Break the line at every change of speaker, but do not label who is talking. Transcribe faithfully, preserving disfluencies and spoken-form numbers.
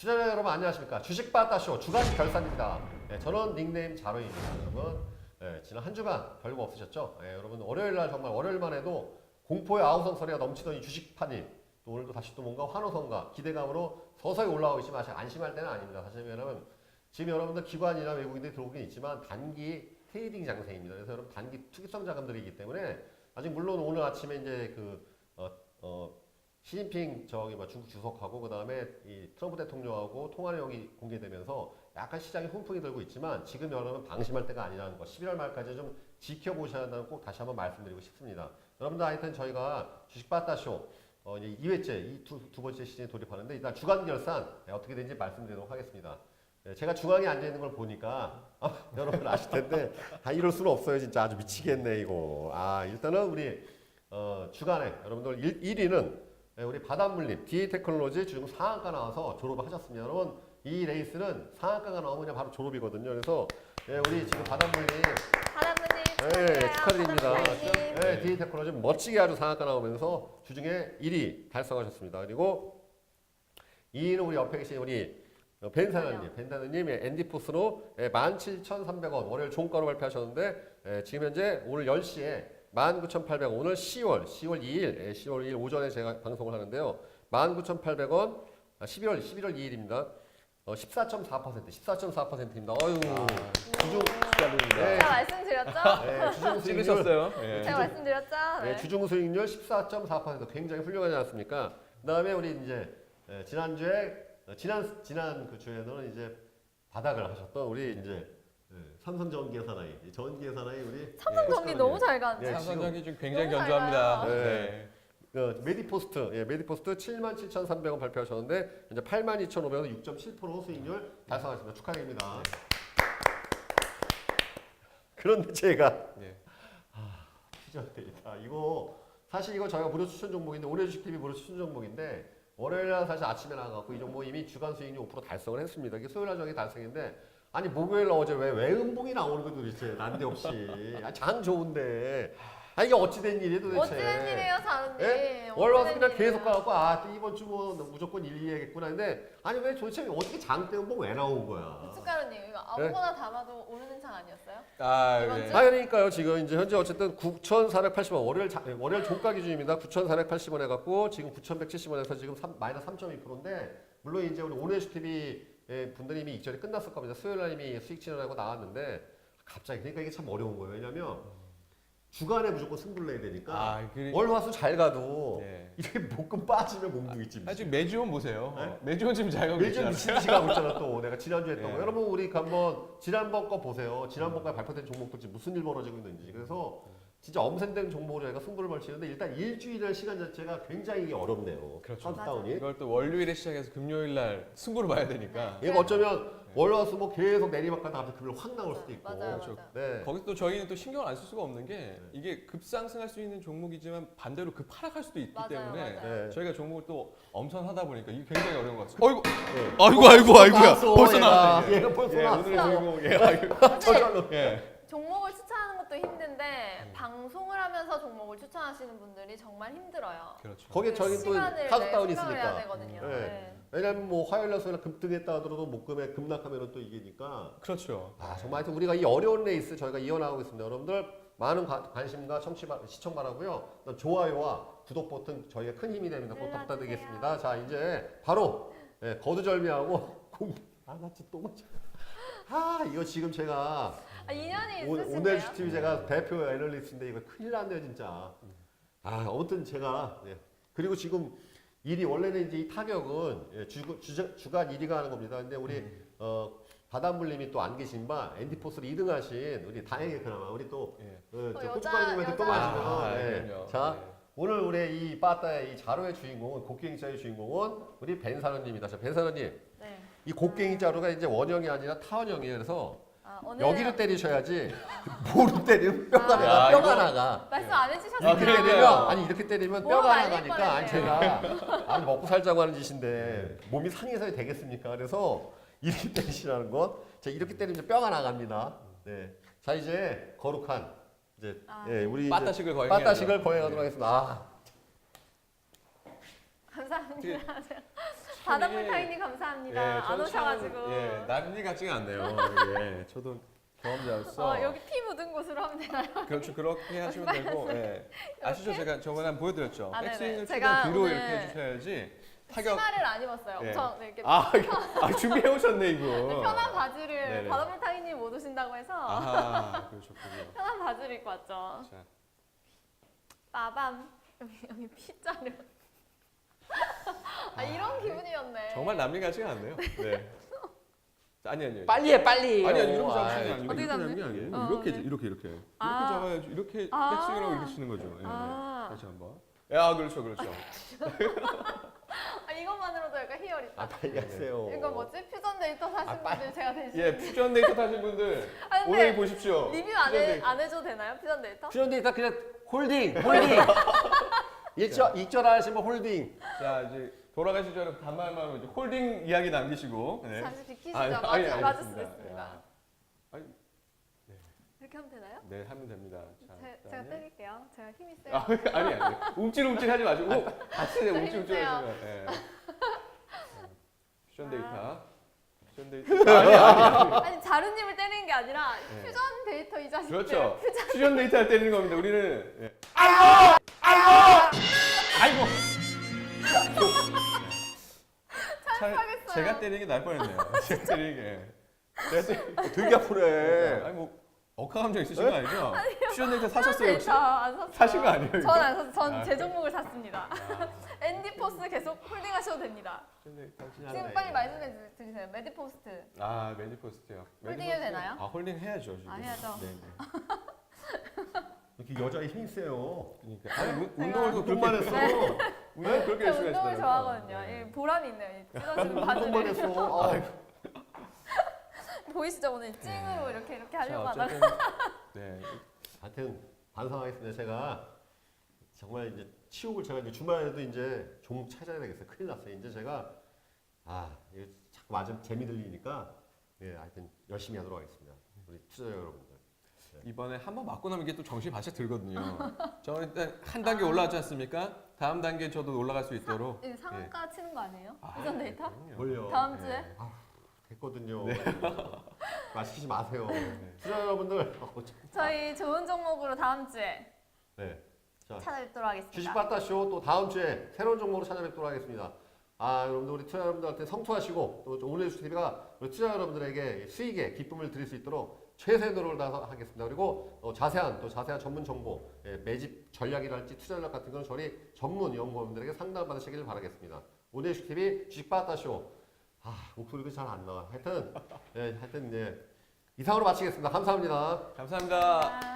투자자 여러분 안녕하십니까. 주식바다쇼 주간 결산입니다. 네, 저는 닉네임 자로입니다. 여러분 네, 지난 한 주간 별거 없으셨죠? 네, 여러분 월요일날 정말 월요일만 해도 공포의 아우성 소리가 넘치던 이 주식판이 또 오늘도 다시 또 뭔가 환호성과 기대감으로 서서히 올라오고 있지만 아직 안심할 때는 아닙니다. 사실 왜냐면 지금 여러분들 기관이나 외국인들이 들어오긴 있지만 단기 트레이딩 장세입니다. 그래서 여러분 단기 투기성 자금들이기 때문에 아직 물론 오늘 아침에 이제 그 어, 어, 시진핑 저기 뭐 중국 주석하고 그 다음에 이 트럼프 대통령하고 통화 내용이 공개되면서 약간 시장에 훈풍이 들고 있지만 지금 여러분 방심할 때가 아니라는 거 십일월 말까지 좀 지켜보셔야 한다는 꼭 다시 한번 말씀드리고 싶습니다. 여러분들 하여튼 저희가 주식바다쇼 어, 이제 이 회째 이 두 두 번째 시즌에 돌입하는데 일단 주간 결산 네, 어떻게 되는지 말씀드리도록 하겠습니다. 네, 제가 중앙에 앉아 있는 걸 보니까 아, 여러분 아실 텐데 아 이럴 수는 없어요. 진짜 아주 미치겠네 이거. 아 일단은 우리 어, 주간에 여러분들 일 위는 네, 우리 바닷물림 디에이 테크놀로지 지금 상한가 나와서 졸업을 하셨습니다. 여러분 이 레이스는 상한가가 나오면 그냥 바로 졸업이거든요. 그래서 네, 우리 지금 바닷물림
바닷물림
네, 축하드립니다.
바닷물림.
네, 디에이 테크놀로지 멋지게 아주 상한가 나오면서 주중에 일 위 달성하셨습니다. 그리고 이 위는 우리 옆에 계신 우리 벤사나님, 벤사나님 앤디포스로 만 칠천삼백 원 월요일 종가로 발표하셨는데 예, 지금 현재 오늘 열 시에 만 구천팔백 원 오늘 시월 시월 이 일 예, 시월 이 일 오전에 제가 방송을 하는데요. 만 구천팔백 원 아, 십일월 십일월 이 일입니다. 어, 십사 점 사 퍼센트 십사 점 사 퍼센트입니다. 어유 주중
축하드립니다.
네.
제가 말씀드렸죠?
네, 주중 수익률
찍으셨어요?
네,
제가 말씀드렸죠?
네,
네.
주중 수익률 십사 점 사 퍼센트 굉장히 훌륭하지 않습니까? 그다음에 우리 이제 예, 지난주에 어, 지난 지난 그 주에는 이제 바닥을 하셨던 우리 이제 예, 삼성전기의 사나이, 전기의 사나이 우리
삼성전기
예,
너무 잘 가는데.
네,
삼성전기 지금 굉장히
너무 잘
견조합니다.
가요.
네.
어, 메디포스트, 예, 메디포스트 칠만 칠천삼백 원 발표하셨는데 이제 팔만 이천오백 원 육 점 칠 퍼센트 수익률 달성하셨습니다. 축하드립니다.
네.
그런데 제가
네.
아, 이거 사실 이거 저희가 무료 추천 종목인데 올해 주식티비 무료 추천 종목인데 월요일날 사실 아침에 나가고 이 종목 이미 주간 수익률 오 퍼센트 달성을 했습니다. 이게 수요일날 저기 달성인데 아니 목요일 날 어제 왜 외음봉이 나오는 거 도대체 난데없이 아, 장 좋은데 아 이게 어찌된 일이에요 도대체.
어찌된 일이에요, 사은님?
예? 월 와서 그냥 계속 가갖고 아 이번 주 뭐 무조건 일, 이 해야겠구나 근데 아니 왜 도대체 어떻게 장 때문에 왜 나온 거야.
고춧가루님 이거 아무거나 담아도 오르는 창 아니었어요?
아,
이번
네.
주?
아 그러니까요 지금 이제 현재 어쨌든 구천사백팔십 원 월요일 자, 월요일 종가 기준입니다. 구천사백팔십 원 해갖고 지금 구천백칠십 원에서 지금 삼, 마이너스 삼 점 이 퍼센트인데 물론 이제 우리 오늘주티비 분들이 이미 익절이 끝났을 겁니다. 수요일날 이미 수익 진언하고 나왔는데 갑자기 그러니까 이게 참 어려운 거예요. 왜냐면 주간에 무조건 승부를 내야 되니까
아, 그,
월화수 잘 가도
네.
이렇게 목금 빠지면 공둥이지.
아, 지금 매주원 보세요.
네?
매주원 지금 잘 가고
매주
있잖아요.
미친 듯이 가고 있잖아 또 내가 지난주에 했던
네.
거. 여러분 우리 한번 지난번 거 보세요. 지난번까지 발표된 종목들 지금 무슨 일 벌어지고 있는지. 그래서 진짜 엄센된 종목으로 저희가 승부를 벌치는데 일단 일주일의 시간 자체가 굉장히 어렵네요.
그렇죠.
카운트다운이.
이걸 또 월요일에 시작해서 금요일 날 승부를 봐야 되니까.
이거 어쩌면 월화수 뭐 계속 내리막하다 갑자기 금요일 확 나올 수도 있고.
맞아요,
그렇죠.
맞아요.
네.
거기서 또 저희는 또 신경을 안 쓸 수가 없는 게 이게 급상승할 수 있는 종목이지만 반대로 급하락할 수도 있기
맞아요,
때문에
맞아요.
네.
저희가 종목을 또 엄선하다 보니까 이게 굉장히 어려운 것 같습니다. 어이구,
네.
아이고, 아이고, 아이고야.
나왔어,
벌써
얘가.
나왔네. 이게.
얘가 벌써
예,
나왔어.
오늘의 주인공, 예, 아이고.
저절로.
예.
종목을 추천하는 것도 힘든데
음.
방송을 하면서 종목을 추천하시는 분들이 정말 힘들어요.
그렇죠.
거기에
그
저희 또
시간을
카운트다운이
내 생각을 해야
있으니까.
되거든요.
네.
네.
왜냐면 뭐 화요일날 수요일 급등했다 하더라도 목금에 급락하면 또 이기니까.
그렇죠.
아 정말 하여튼 우리가 이 어려운 레이스 저희가 이어나가고 있습니다. 여러분들 많은 관- 관심과 청취 바- 시청 바라고요. 그다음 좋아요와 구독 버튼 저희가 큰 힘이 됩니다. 꼭
눌러주세요.
부탁드리겠습니다. 자 이제 바로 예, 거두절미하고 공. 아나 진짜 또 맞지. 아 이거 지금 제가
아, 인연이
오-
있으신데요?
오늘 티비 제가 대표 애널리스트인데 이거 큰일 났네요 진짜. 아 아무튼 제가 예. 그리고 지금 일이 원래는 이제 이 타격은 예, 주, 주, 주간 일 위가 하는 겁니다. 근데 우리
음.
어, 바닷물님이 또 안 계신 바 앤디포스를 이 등 하신 우리 다행히 그나마 우리 또
예.
어,
어,
저
여자,
고춧가루님한테 또
여자.
마시면
아,
예.
그럼요.
자
네.
오늘 우리 이 빠따의 이 자루의 주인공은 곡괭이 자루의 주인공은 우리 벤사노님이다. 자 벤사노님
네.
이 곡괭이 자루가 이제 원형이 아니라 타원형이에요. 그래서
아, 오늘
여기를 때리셔야지 뭐로 때리면 뼈가
아.
나가
야,
뼈가
이거-
나가.
말씀 안
이렇게
해주셨어요.
아, 그래요?
때리면 아니 이렇게 때리면
뭐가
뼈가
날릴
나가니까 아니
뻔했네요.
제가 아니 먹고 살자고 하는 짓인데 몸이 상해서 되겠습니까? 그래서 이렇게 때리시라는 건 자 이렇게 때리면 이제 뼈가 나갑니다. 네. 자 이제 거룩한 이제
아.
예 우리
빠따식을 거행해야죠.
빠따식을 거행하도록 하겠습니다. 아,
감사합니다. 바닷물
이게-
타이님 감사합니다.
예,
안
저는 참,
오셔가지고.
예, 남일 같지가 않네요. 예, 저도 경험자로서
어, 여기 피 묻은 곳으로 하면 되나요?
그렇죠. 그렇게 하시면 되고 예. 아시죠? 제가 저번에 한번 보여드렸죠.
아, 네네.
백스윙을
제가
최대한 뒤로
오늘
이렇게 해주셔야지 타격.
치마를 안 입었어요.
예.
엄청 이렇게
아, 아 준비해 오셨네 이거.
편한 바지를
네네.
바닷물 타이님 못 오신다고 해서
아하, 그러셨군요.
편한 바지를 입고 왔죠.
자,
빠밤. 여기, 여기 피자를. 아, 이런 기분이었네.
정말 남일 같지가 않네요. 네. 자, 아니 아니요.
빨리 해 빨리.
아니 아니 이렇게
아이,
잡으시는 게 아니고
어떻게
이렇게
잡는?
잡는 게 아니에요.
어,
이렇게
네.
이렇게 이렇게 이렇게
아.
잡아야지 이렇게
아.
백스윙이라고 이렇게 치는 거죠. 예.
아.
다시 한번. 야 그렇죠 그렇죠.
아, 이것만으로도 약간 희열 있다.
아 빨리 하세요.
이거 뭐지? 퓨전 데이터 사신
아, 빨리-
분들 제가 대신.
예 퓨전 데이터 타신 분들
아, 근데
오늘 보십시오.
리뷰 안,
퓨전
해,
데이터.
안 해줘도 되나요? 퓨전 데이터?
퓨전 데이터 그냥 홀딩 홀딩. 일절 익절 하시면 홀딩.
자 이제 돌아가시기 전에 단말만 이제 홀딩 이야기 남기시고. 네.
잠시 비키시죠.
아니,
맞을,
아니,
맞을
알겠습니다.
수도 있습니다.
야. 아니,
이렇게 하면 되나요?
네 하면 됩니다. 자,
제, 제가
그다음에.
때릴게요. 제가 힘이 세요.
아, 아니 아니 움찔움찔 하지 마시고 같이
저
움찔움찔
힘세요.
하시면. 예. 퓨전
아.
데이터. 퓨전 데이터. 아니 아니.
아니 자루님을 때리는 게 아니라
네.
퓨전 데이터 이 자식들.
그렇죠.
퓨전.
퓨전 데이터 할 때리는 겁니다. 우리는. 예.
아이고.
차-
하겠어요.
제가 때리는 게 나을 뻔했네요. 제가 때리는 게. 제가 때리는
되게 아프네.
아니 뭐 억하 감정 있으신 거 아니죠? 퓨전 데이터 사셨어요 혹시?
데이터 안 샀어요.
사신 거 아니에요? 이거?
전안 샀어요. 전
아,
제 종목을 샀습니다.
아,
앤디 포스 계속 홀딩하셔도 됩니다.
퓨전 데이터
네.
지금 빨리 말씀해 주세요. 매디포스트.
아 매니포스트요.
홀딩
매니포스트.
해도 되나요?
아 홀딩 해야죠 지금.
아, 해야죠.
네네.
이렇게 여자의 힘이 세요.
그러니까 아니 운-
제가-
운동을 또
운동만
그렇게
했어.
운동 그렇게
제가
열심히
운동을
하시더라고요.
좋아하거든요.
네.
이 보람이 있네요. 이 찢어지는
운동만
바지를.
했어. 아,
보이시죠? 오늘 찡으로 이렇게 이렇게 하려고
자
하다가.
어쨌든 네
하여튼 반성하겠습니다. 제가 정말 이제 치욕을 제가 이제 주말에도 이제 종목 찾아야 되겠어요. 큰일 났어요. 이제 제가 아 이게 자꾸 맞으면 재미 들리니까 예 하여튼 열심히 하도록 하겠습니다. 우리 투자자 여러분들.
이번에 한 번 맞고 나면 이게 또 정신이 바짝 들거든요. 저 일단 한 단계 올라왔지 않습니까? 다음 단계 저도 올라갈 수 있도록.
이 상한가 치는 거 아니에요?
아,
퓨전 데이터?
그럼요.
뭘요?
다음
네.
주에?
됐거든요. 말 시키지 마세요. 투자자 여러분들. 어, 참.
저희 좋은 종목으로 다음 주에
네. 자,
찾아뵙도록 하겠습니다.
주식바다쇼 또 다음 주에 새로운 종목으로 찾아뵙도록 하겠습니다. 아 여러분들 우리 투자 여러분들한테 성투하시고 또 오늘의 주식티비가 우리 투자 여러분들에게 수익에 기쁨을 드릴 수 있도록 최선의 노력을 다해서 하겠습니다. 그리고 어, 자세한 또 자세한 전문 정보, 예, 매집 전략이랄지 투자 전략 같은 건 저희 전문 연구원들에게 상담 받으시길 바라겠습니다. 오늘의 주식티비 주식바다쇼. 아 목소리가 잘 안 나와. 하여튼 예, 하여튼 예, 이상으로 마치겠습니다. 감사합니다.
감사합니다.
아.